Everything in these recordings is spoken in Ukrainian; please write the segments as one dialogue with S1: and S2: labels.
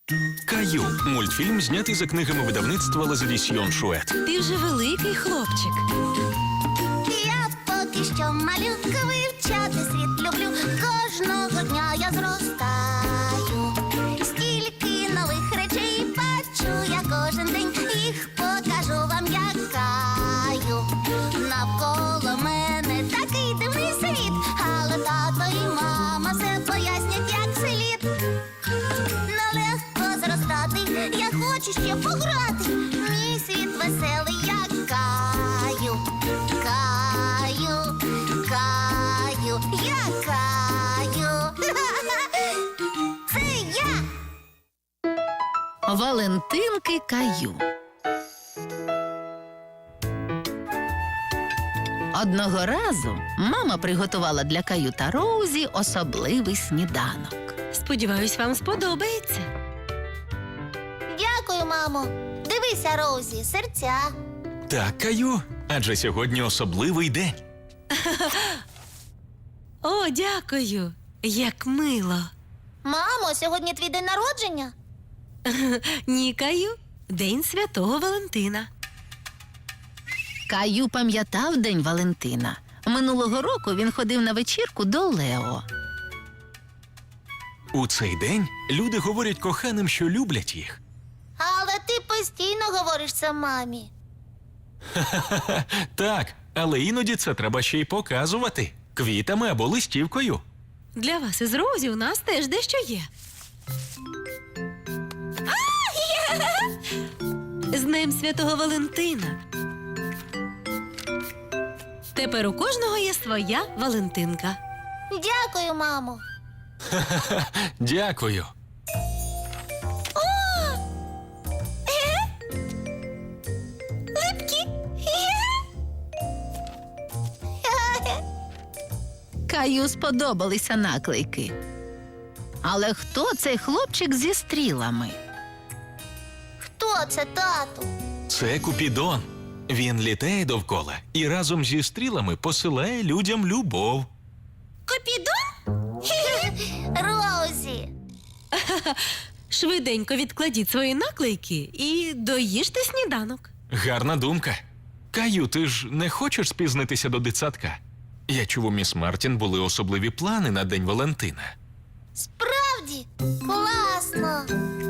S1: Каю. Мультфільм знятий за книгами видавництва «Лазадісьйон Шует».
S2: Ти вже великий хлопчик.
S3: Я поки що малюка, вивчати світ люблю. Кожного дня я зростаю. Стільки нових речей бачу я кожен день. Їх покажу вам, як Каю. Навколо мене такий дивний світ, але тато і мама все пояснять, як слід. Нелегко зростати, я хочу ще пограти. Мій світ веселий, як Каю. Каю, Каю, я Каю. Це я.
S2: Валентинки Каю. Одного разу мама приготувала для Каю та Роузі особливий сніданок. Сподіваюсь, вам сподобається.
S3: Дякую, мамо. Дивися, Роузі, серця.
S1: Так, Каю, адже сьогодні особливий день.
S2: О, дякую. Як мило.
S3: Мамо, сьогодні твій день народження?
S2: Ні, Каю. День Святого Валентина. Каю пам'ятав День Валентина. Минулого року він ходив на вечірку до Лео.
S1: У цей день люди говорять коханим, що люблять їх.
S3: Але ти постійно говориш це мамі.
S1: Так, але іноді це треба ще й показувати. Квітами або листівкою.
S2: Для вас із Роузі у нас теж дещо є. З Днем Святого Валентина. Тепер у кожного є своя Валентинка.
S3: Дякую, мамо.
S1: Дякую.
S3: Липкі.
S2: Каю сподобалися наклейки. Але хто цей хлопчик зі стрілами?
S3: Хто це, тату?
S1: Це Купідон. Він літає довкола і разом зі стрілами посилає людям любов.
S3: Купідон? Роузі.
S2: Швиденько відкладіть свої наклейки і доїжте сніданок.
S1: Гарна думка. Каю, ти ж не хочеш спізнитися до дитсадка? Я чув, у міс Мартін були особливі плани на День Валентина.
S3: Справді? Класно.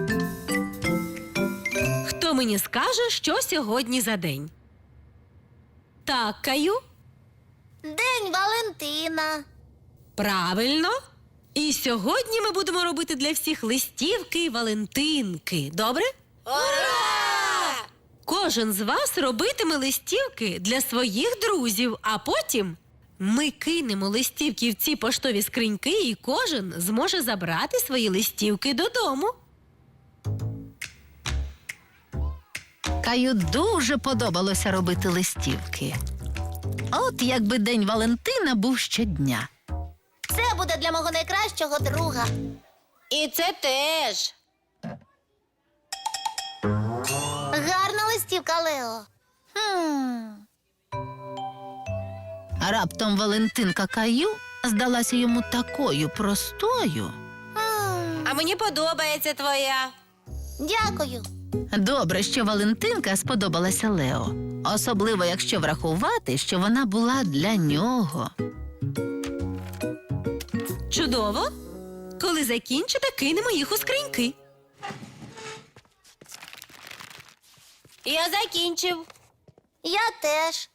S2: Хто мені скаже, що сьогодні за день? Так, Каю?
S3: День Валентина.
S2: Правильно. І сьогодні ми будемо робити для всіх листівки і валентинки. Добре?
S3: Ура!
S2: Кожен з вас робитиме листівки для своїх друзів, а потім ми кинемо листівки в ці поштові скриньки, і кожен зможе забрати свої листівки додому. Каю дуже подобалося робити листівки. От якби День Валентина був щодня.
S3: Це буде для мого найкращого друга.
S2: І це теж.
S3: Гарна листівка, Лео.
S2: Раптом Валентинка Каю здалася йому такою простою.
S3: А
S2: мені подобається твоя.
S3: Дякую.
S2: Добре, що Валентинка сподобалася Лео. Особливо, якщо врахувати, що вона була для нього. Чудово. Коли закінчите, кинемо їх у скриньки. Я закінчив.
S3: Я теж.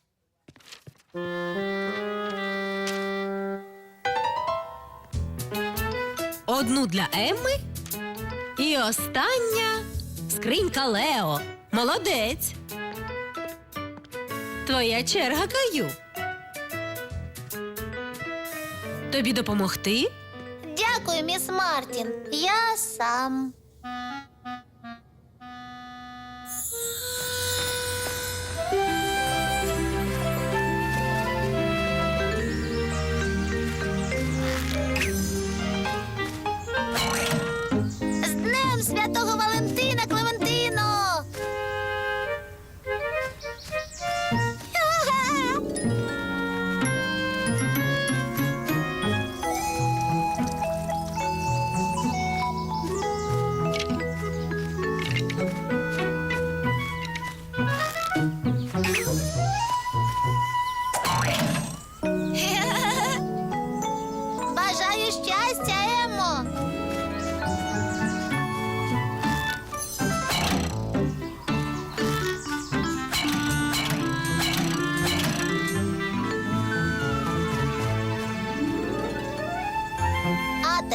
S2: Одну для Емми і остання скринька Лео. Молодець. Твоя черга, Каю. Тобі допомогти?
S3: Дякую, міс Мартін. Я сам. З Днем Святого Валентина, Клементино!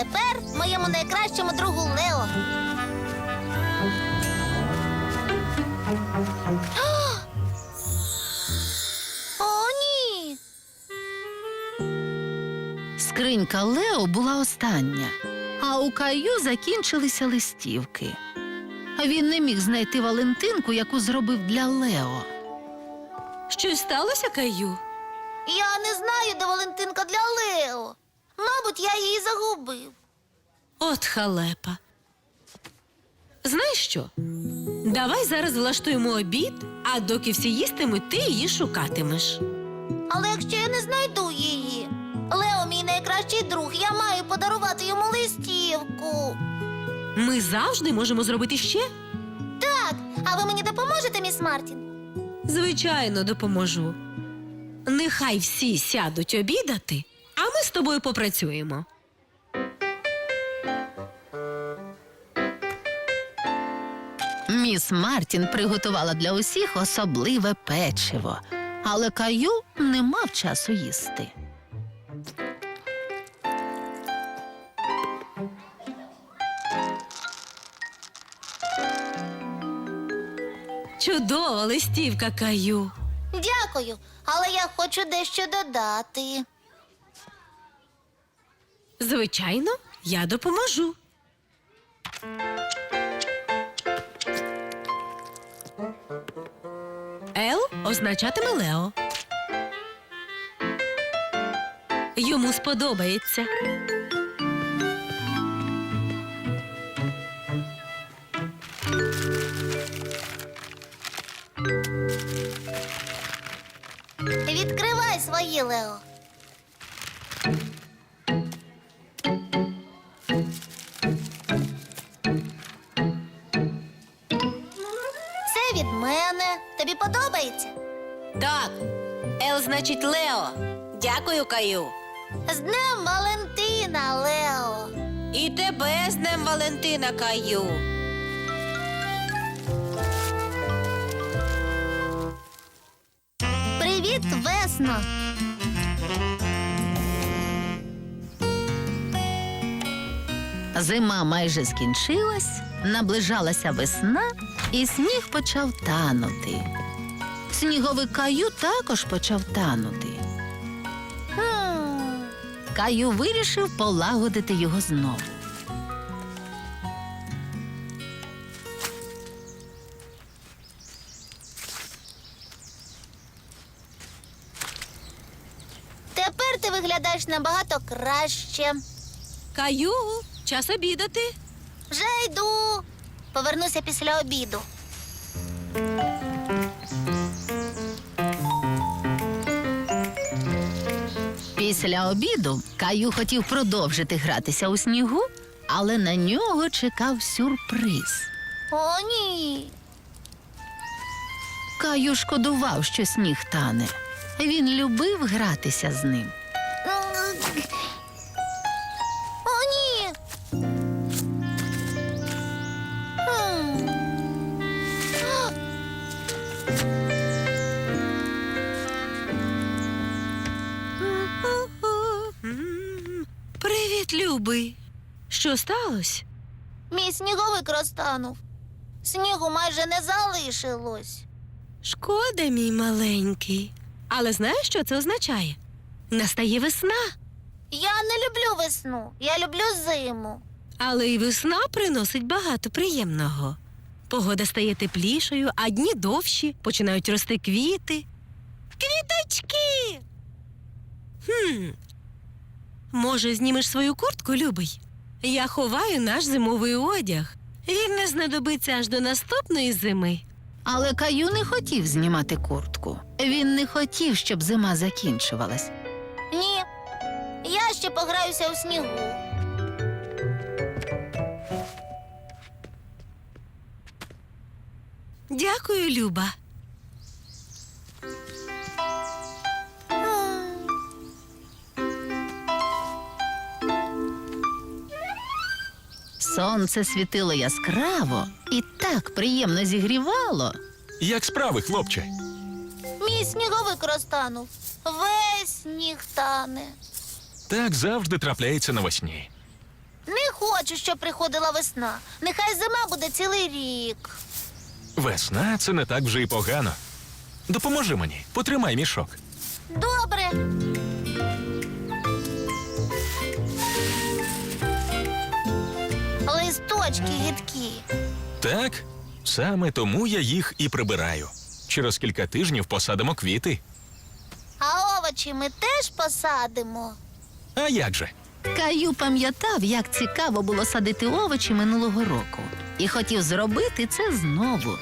S3: тепер моєму найкращому другу Лео. О, ні!
S4: Скринька Лео була остання, а у Каю закінчилися листівки. Він не міг знайти Валентинку, яку зробив для Лео.
S2: Щось сталося, Каю?
S3: Я не знаю, де Валентинка для Лео. Мабуть, я її загубив.
S2: От халепа. Знаєш що? Давай зараз влаштуємо обід, а доки всі їстимуть, ти її шукатимеш.
S3: Але якщо я не знайду її, Лео мій найкращий друг, я маю подарувати йому листівку.
S2: Ми завжди можемо зробити ще.
S3: Так, а ви мені допоможете, міс Мартін?
S2: Звичайно, допоможу. Нехай всі сядуть обідати, а ми з тобою попрацюємо.
S4: Міс Мартін приготувала для усіх особливе печиво, але Каю не мав часу їсти.
S2: Чудова листівка, Каю.
S3: Дякую, але я хочу дещо додати.
S2: Звичайно, я допоможу. Л означатиме Лео. Йому сподобається.
S3: Відкривай свої, Лео. Це від мене. Тобі подобається?
S2: Так, Л значить Лео. Дякую, Каю.
S3: З Днем Валентина, Лео.
S2: І тебе з Днем Валентина, Каю.
S3: Привіт, весно.
S4: Зима майже скінчилась, наближалася весна, і сніг почав танути. Сніговик Каю також почав танути. Каю вирішив полагодити його знову.
S3: Тепер ти виглядаєш набагато краще.
S2: Каю, час обідати.
S3: Вже йду. Повернуся після обіду.
S4: Після обіду Каю хотів продовжити гратися у снігу, але на нього чекав сюрприз.
S3: О, ні.
S4: Каю шкодував, що сніг тане. Він любив гратися з ним.
S3: О, ні. Хм.
S2: Привіт, любий. Що сталося?
S3: Мій сніговик розтанув. Снігу майже не залишилось.
S2: Шкода, мій маленький. Але знаєш, що це означає? Настає весна.
S3: Я не люблю весну, я люблю зиму.
S2: Але й весна приносить багато приємного. Погода стає теплішою, а дні довші, починають рости квіти. Квіточки! Може, знімеш свою куртку, любий? Я ховаю наш зимовий одяг. Він не знадобиться аж до наступної зими.
S4: Але Каю не хотів знімати куртку. Він не хотів, щоб зима закінчувалась.
S3: Ні, я ще пограюся у снігу.
S2: Дякую, Люба.
S4: Сонце світило яскраво і так приємно зігрівало.
S1: Як справи, хлопче?
S3: Мій сніговик розтанув. Весь сніг тане.
S1: Так завжди трапляється навесні.
S3: хочу, щоб приходила весна. Нехай зима буде цілий рік.
S1: Весна це не так вже й погано. Допоможи мені, потримай мішок.
S3: Добре. Листочки гидкі.
S1: Так, саме тому я їх і прибираю. Через кілька тижнів посадимо квіти.
S3: А овочі ми теж посадимо.
S1: А як же?
S4: Каю пам'ятав, як цікаво було садити овочі минулого року. І хотів зробити це знову.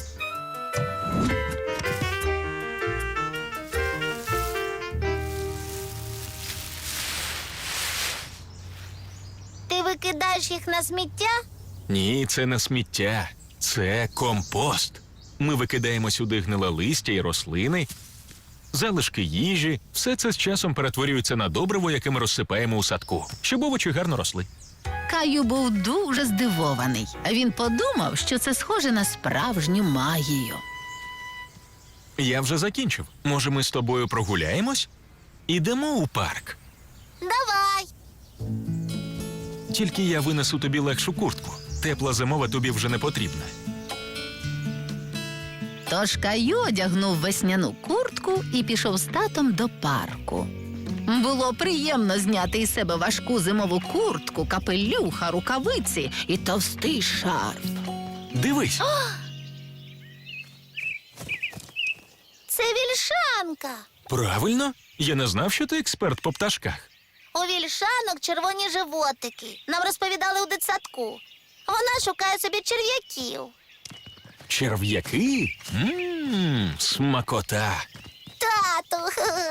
S3: Ти викидаєш їх на сміття?
S1: Ні, це не сміття. Це компост. Ми викидаємо сюди гниле листя і рослини, залишки їжі. Все це з часом перетворюється на добриво, яке ми розсипаємо у садку, щоб овочі гарно росли.
S4: Каю був дуже здивований. Він подумав, що це схоже на справжню магію.
S1: Я вже закінчив. Може, ми з тобою прогуляємось? Ідемо у парк.
S3: Давай.
S1: Тільки я винесу тобі легшу куртку. Тепла зимова тобі вже не потрібна.
S4: Тож Каю одягнув весняну куртку і пішов з татом до парку. Було приємно зняти із себе важку зимову куртку, капелюха, рукавиці і товстий шарф.
S1: Дивись,
S3: Це вільшанка.
S1: правильно? Я не знав, що ти експерт по пташках.
S3: У вільшанок червоні животики. Нам розповідали у дитсадку. Вона шукає собі черв'яків.
S1: Черв'яки? Смакота.
S3: Тату.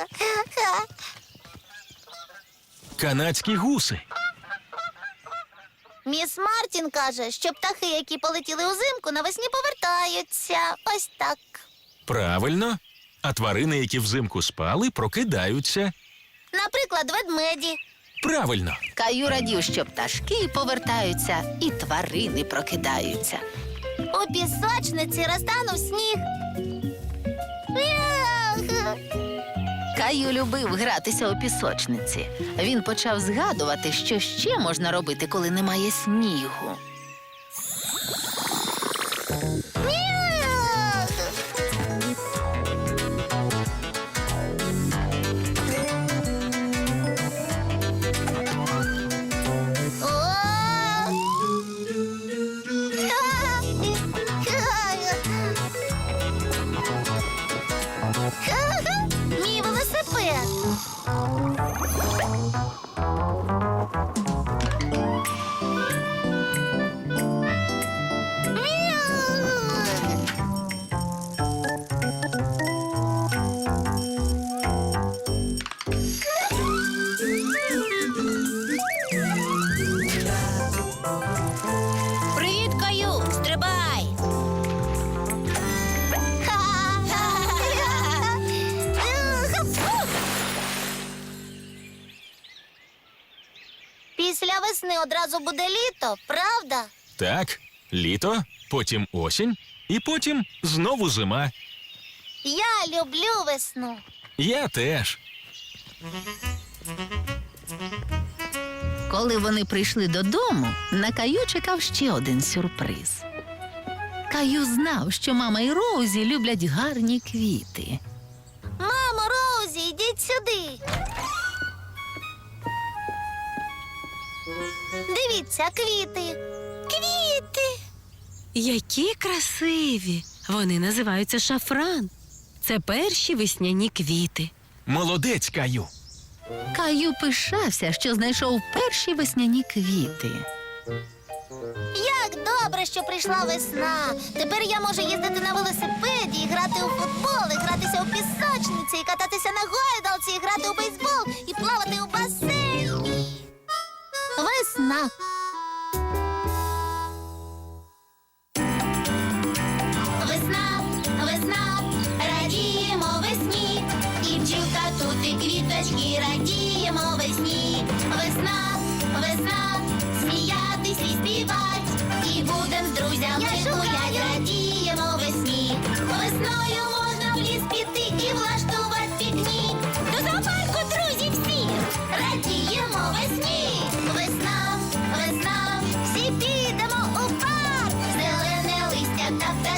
S1: Канадські гуси.
S3: Міс Мартін каже, що птахи, які полетіли узимку, навесні повертаються. Ось так.
S1: Правильно. А тварини, які взимку спали, прокидаються.
S3: Наприклад, ведмеді.
S1: Правильно.
S4: Каю радів, що пташки повертаються і тварини прокидаються.
S3: У пісочниці розтанув сніг. Мяу.
S4: Каю любив гратися у пісочниці. Він почав згадувати, що ще можна робити, коли немає снігу.
S3: Мяу. О! Мій велосипед. Мяу. Привіт, Каю! Стрибай! Після весни одразу буде літо, правда?
S1: Так, літо, потім осінь, і потім знову зима.
S3: Я люблю весну.
S1: Я теж.
S4: Коли вони прийшли додому, на Каю чекав ще один сюрприз. Каю знав, що мама і Роузі люблять гарні квіти.
S3: Мамо, Роузі, йдіть сюди. Дивіться, квіти. Квіти.
S2: Які красиві! Вони називаються шафран. Це перші весняні квіти.
S1: Молодець, Каю.
S4: Каю пишався, що знайшов перші весняні квіти.
S3: Як добре, що прийшла весна. Тепер я можу їздити на велосипеді, і грати у футбол, і гратися у пісочниці, і кататися на гойдалці, і грати у бейсбол, і плавати у басейні. Весна. Весна, весна, радіємо весні. І бджілка тут, і квіточки, радіємо весні. Весна, весна, сміятись і співать. І будем з друзями гулять, радіємо весні. Весною можна в ліс піти і влаштувати пікнік. До зоопарку, друзі, всі! Радіємо весні. Весна, весна,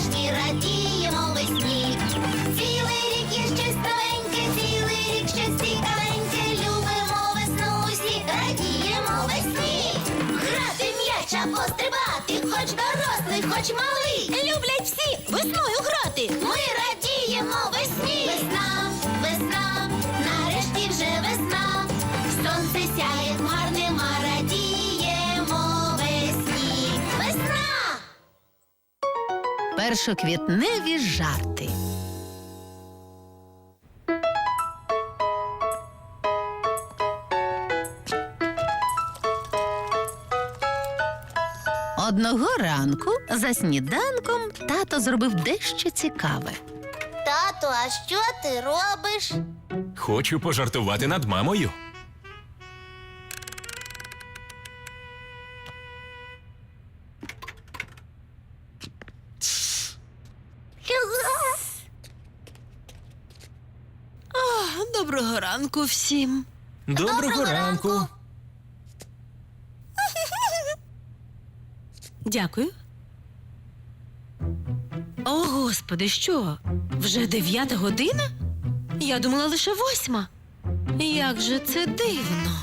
S3: нарешті радіємо весні. Цілий рік є щось новеньке, цілий рік щось цікавеньке. Любимо весну усі, радіємо весні. Грати в м'яч або стрибати, хоч дорослий, хоч малий. Люблять всі весною грати. Ми радіємо весні. Весна, весна, нарешті вже весна. Сонце сяє, хмар нема, радіємо весні. Весна!
S4: Першоквітневі жарти. Одного ранку за сніданком тато зробив дещо цікаве.
S3: Тату, а що ти робиш?
S1: Хочу пожартувати над мамою.
S2: Доброго ранку всім.
S1: Доброго ранку.
S2: Дякую. О, Господи, що? Вже 9 година? Я думала лише 8. Як же це дивно.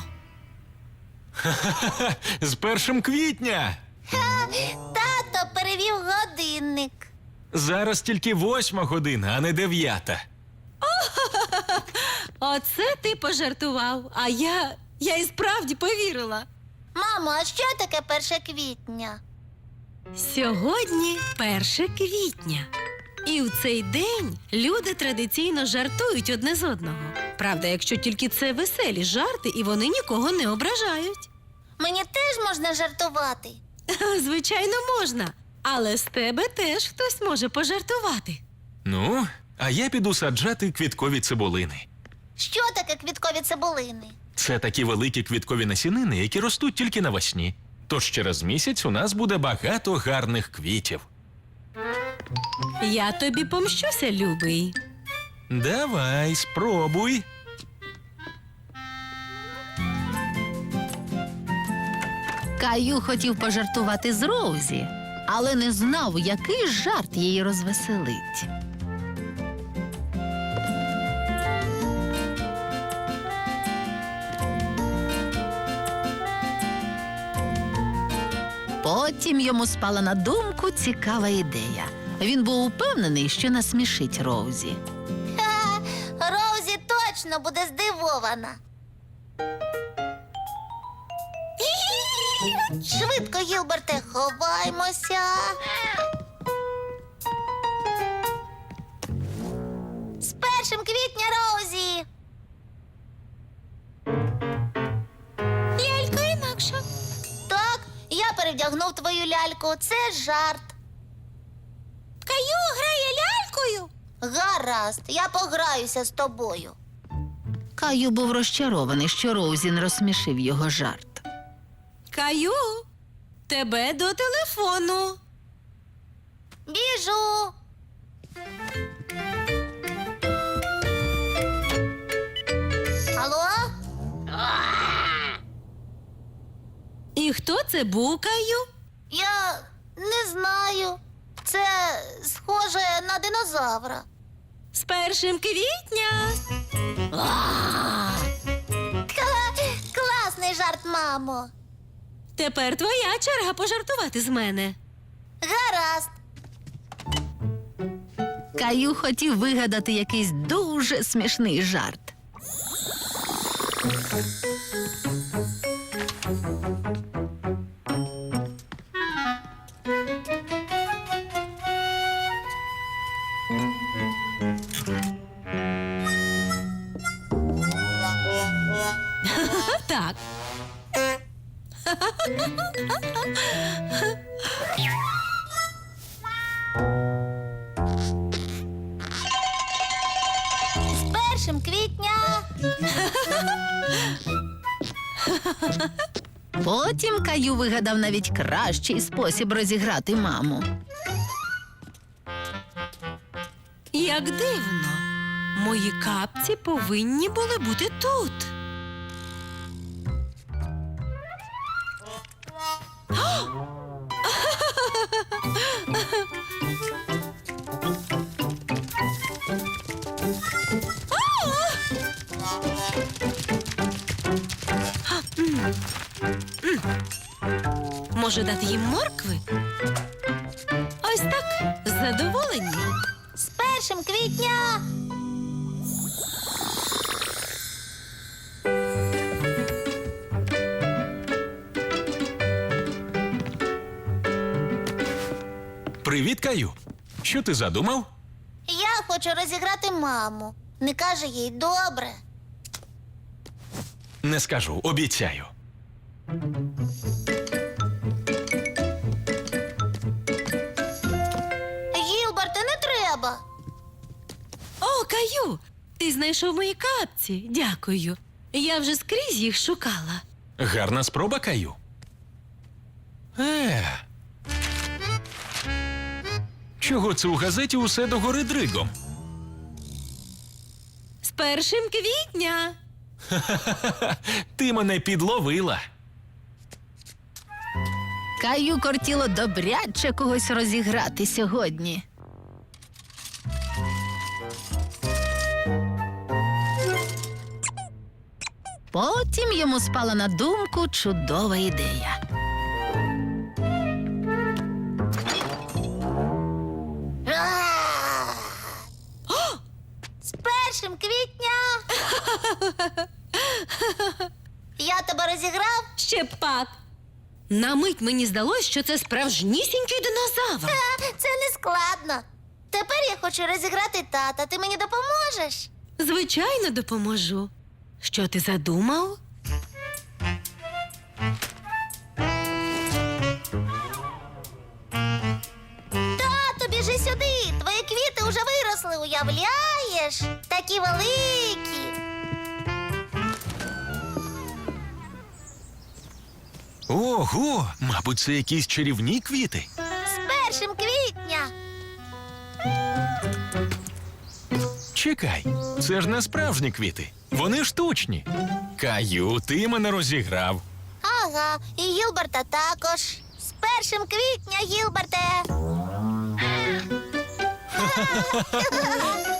S1: З 1 квітня.
S3: Тато перевів годинник.
S1: Зараз тільки 8 година, а не 9.
S2: Оце ти пожартував, а я і справді повірила.
S3: Мамо, а що таке 1 квітня?
S2: Сьогодні 1 квітня. І в цей день люди традиційно жартують одне з одного. Правда, якщо тільки це веселі жарти, і вони нікого не ображають.
S3: Мені теж можна жартувати.
S2: Звичайно, можна. Але з тебе теж хтось може пожартувати.
S1: Ну, а я піду саджати квіткові цибулини.
S3: Що таке квіткові цибулини?
S1: Це такі великі квіткові насінини, які ростуть тільки навесні. Тож через місяць у нас буде багато гарних квітів.
S2: Я тобі помщуся, любий.
S1: Давай, спробуй.
S4: Каю хотів пожартувати з Роузі, але не знав, який жарт її розвеселить. Потім йому спала на думку цікава ідея. Він був упевнений, що насмішить Роузі.
S3: Ха, Роузі точно буде здивована. Швидко, Гілберте, ховаймося. З 1 квітня, Роузі. Лялька інакша. Так, я перевдягнув твою ляльку. Це жарт. Каю грає лялькою? Гаразд, я пограюся з тобою.
S4: Каю був розчарований, що Роузі не розсмішив його жарт.
S2: Каю, тебе до телефону.
S3: Біжу. Алло?
S2: І хто це був, Каю?
S3: Я не знаю. Це схоже на динозавра.
S2: З 1 квітня.
S3: Класний жарт, мамо.
S2: Тепер твоя черга пожартувати з мене.
S3: Гаразд.
S4: Каю хотів вигадати якийсь дуже смішний жарт.
S2: Так.
S3: З 1 квітня.
S4: Потім Каю вигадав навіть кращий спосіб розіграти маму.
S2: Як дивно. Мої капці повинні були бути тут. Може, дати їм моркви? Ось так, задоволені.
S3: З 1 квітня!
S1: Привіт, Каю. Що ти задумав?
S3: Я хочу розіграти маму. Не каже їй добре.
S1: Не скажу, обіцяю.
S3: Гілберте, не треба.
S2: О, Каю, ти знайшов мої капці. Дякую. Я вже скрізь їх шукала.
S1: Гарна спроба, Каю. Чого це у газеті усе догори дригом?
S2: З 1 квітня.
S1: Ти мене підловила.
S4: Каю кортіло добряче когось розіграти сьогодні. Потім йому спала на думку чудова ідея.
S3: З 1 квітня! Я тебе розіграв?
S2: Ще пак. На мить мені здалось, що це справжнісінький динозавр.
S3: Це не складно. Тепер я хочу розіграти тата. Ти мені допоможеш?
S2: Звичайно, допоможу. Що ти задумав?
S3: Тату, біжи сюди. Твої квіти вже виросли, уявляєш? Такі великі.
S1: Ого, мабуть, це якісь чарівні квіти.
S3: З 1 квітня.
S1: Чекай, це ж не справжні квіти. Вони штучні. Каю, ти мене розіграв.
S3: Ага, і Гілберта також. З 1 квітня, Гілберте.